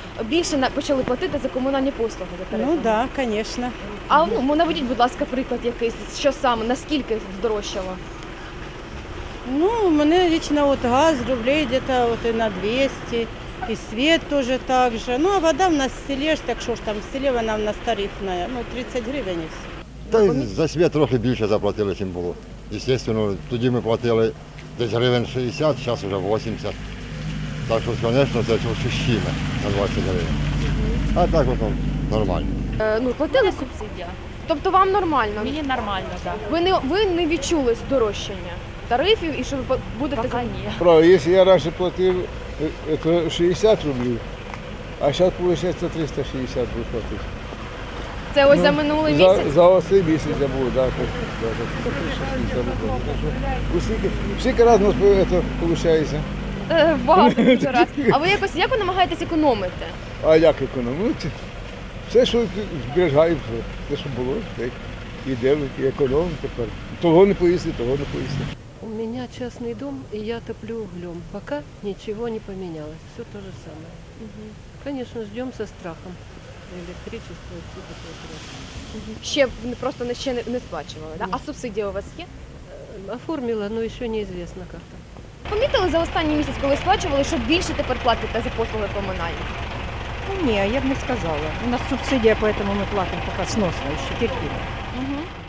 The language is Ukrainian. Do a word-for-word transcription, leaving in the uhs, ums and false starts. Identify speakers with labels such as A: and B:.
A: більше на- почали платити за комунальні послуги за тарифами.
B: Ну да, конечно.
A: А ну, наведіть, будь ласка, приклад якийсь, що саме, наскільки здорожчало?
B: Ну, у меня лично вот газ рублей где-то вот и на двести, и свет тоже так же. Ну, а вода у нас в селе, ж, так що ж там, в селі вона у нас тарифная, ну, тридцять гривень і все.
C: Та й за світ трохи більше заплатили, ніж було. Звісно, тоді ми платили десь гривень шістдесят, зараз вже вісімдесят. Так що, звісно, це ощущимо на двадцять гривень. А так воно нормально.
A: Е, ну, платили субсидії?
D: Субсидія.
A: Тобто вам нормально?
D: Мені нормально, так.
A: Ви не, ви не відчули здорожчання тарифів і що ви по- будете...
D: Пока
A: за-
D: ні.
E: Правда, якщо я раніше платив е, то шістдесят рублів, а зараз виходить триста шістдесят буде платити.
A: Це ось
E: Ну,
A: за минулий
E: за,
A: місяць?
E: За оцей місяць я був, так. Так, так, так, триста шістдесят буде. Скільки, скільки разів у нас це виходить?
A: Е, багато дуже раз. А ви якось, як ви намагаєтесь економити?
E: А як економити? Все, що зберігаємо, все, що було, так. Іде, і економимо тепер. Того не поїсти, того не поїсти.
F: У меня частный дом, и я топлю углем. Пока ничего не поменялось. Все то же самое. Конечно, ждем со страхом. Электричество и все такое прочее.
A: Ще ви просто не- ще не, не сплачували, да?
F: Ні.
A: А субсидія у вас є?
F: Э, Оформила, но еще неизвестно как-то.
A: Помітили за останній місяць, коли сплачували, що більше тепер платите за послуги комунальні?
G: Ну, ні, я б не сказала. У нас субсидія, поэтому ми платимо поки сносно, ще терпимо.
A: Угу.